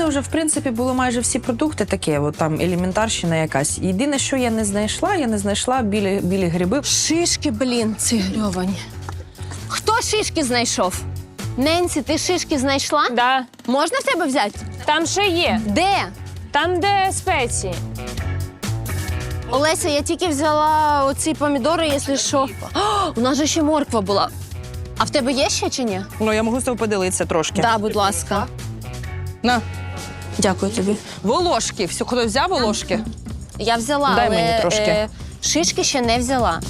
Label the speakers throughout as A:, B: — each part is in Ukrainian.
A: мене вже, в принципі, були майже всі продукти такі, от там елементарщина якась. Єдине, що я не знайшла білі гриби.
B: Шишки, блін, ці грьовані. Хто шишки знайшов? Ненсі, ти шишки знайшла?
C: Да.
B: Можна в тебе взяти?
C: Там ще є.
B: Де?
C: Там, де спеції.
B: Олеся, я тільки взяла оці помідори, якщо що. О, у нас же ще морква була. А в тебе є ще чи ні?
A: Ну, я можу з тобою поділитися трошки.
B: Да, будь ласка.
A: На.
B: Дякую тобі.
A: Волошки. Все, хтось взяв волошки?
B: Я взяла,
A: Дай
B: але
A: мені трошки.
B: Шишки ще не взяла.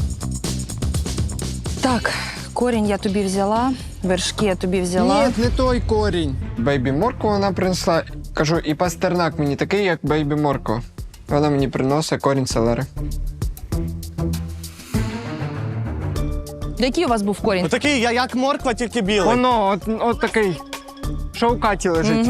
A: Так, корінь я тобі взяла, вершки я тобі взяла.
D: Ні, не той корінь. Бейбі моркву вона принесла. Кажу, і пастернак мені такий, як бейбі морква. Вона мені приносить корінь селери.
A: Який у вас був корінь?
E: Отакий, як морква, тільки білий.
D: Воно, от такий, що в каті лежить.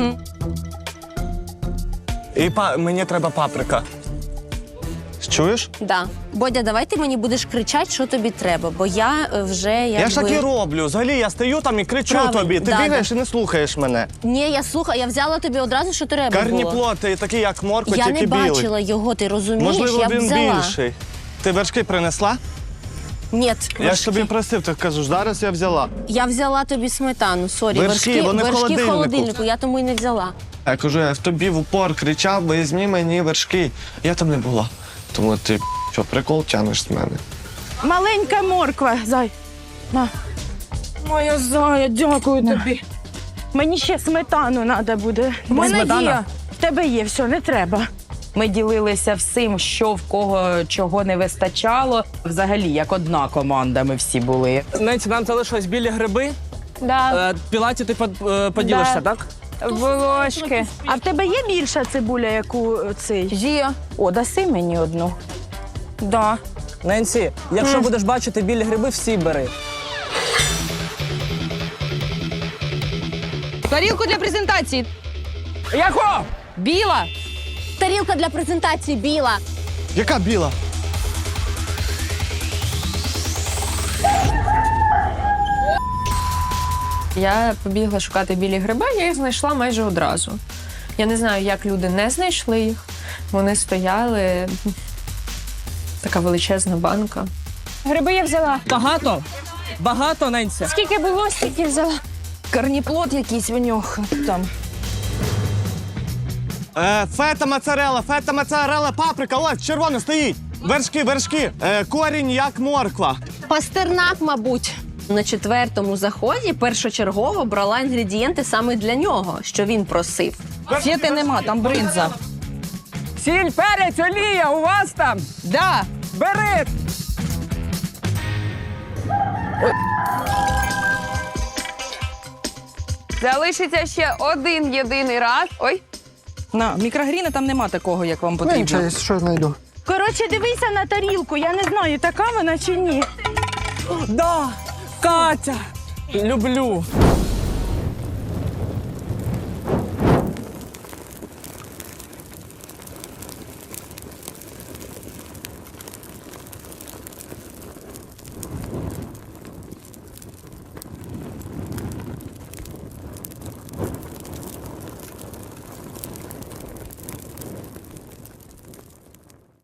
E: І мені треба паприка. Чуєш?
B: Да. Бодя, давай ти мені будеш кричати, що тобі треба, бо я вже якби...
E: Я ж так і роблю. Взагалі, я стою там і кричу
B: Правильно,
E: тобі. Ти
B: да,
E: бігаєш і не слухаєш мене.
B: Ні, я слухаю, я взяла тобі одразу, що треба було.
E: Карніплод, ти такий, як морква,
B: Я
E: тільки
B: не
E: білий.
B: бачила його, ти розумієш?
E: Можливо,
B: я б
E: він
B: взяла.
E: більший. Ти вершки принесла?
B: Ні,
E: Я ж тобі просив, ти кажеш, зараз я взяла.
B: я взяла тобі сметану, сорі.
E: Вершки, вони в
B: вершки в
E: холодильнику.
B: холодильнику, я тому й не взяла.
E: Я кажу, я в тобі в упор кричав, візьми мені вершки. Я там не була. Тому ти, що, прикол тянеш з мене.
F: Маленька морква, зай. На. Моя зая, дякую тобі. Мені ще сметану треба буде. В мене
A: Сметана?
F: є. В тебе є, все, не треба.
A: Ми ділилися всім, що в кого чого не вистачало. Взагалі, як одна команда ми всі були.
G: Ненці, нам залишились білі гриби.
C: Да.
G: Пілаті ти поділишся,
C: Да.
G: так?
C: Волошки.
F: А в тебе є більша цибуля, яку цей?
A: Є.
F: О, даси мені одну.
A: Да.
G: Ненці, якщо будеш бачити білі гриби, всі бери.
A: Тарілку для презентації.
G: Яко?
A: Біла.
B: Тарілка для презентації біла.
E: Яка біла?
C: Я побігла шукати білі гриби, я їх знайшла майже одразу. Я не знаю, як люди не знайшли їх. Вони стояли. Така величезна банка. Гриби я взяла.
G: Багато? Багато, Ненці?
C: Скільки було, стільки взяла.
A: Карніплод якийсь в нього там.
E: Фета моцарелла, паприка, ось, червона стоїть. Вершки. Корінь, як морква.
B: Пастернак, мабуть. На 4-му заході першочергово брала інгредієнти саме для нього, що він просив.
A: Фети нема, там бринза.
G: Сіль, перець, олія, у вас там?
A: Да.
G: Бери!
H: Залишиться ще один єдиний раз. Ой,
A: На, мікрогріни там нема такого, як вам
D: Ну,
A: потрібно.
D: нічого, я що знайду.
F: Коротше, дивися на тарілку, я не знаю, така вона чи ні.
G: Да, Катя! Люблю.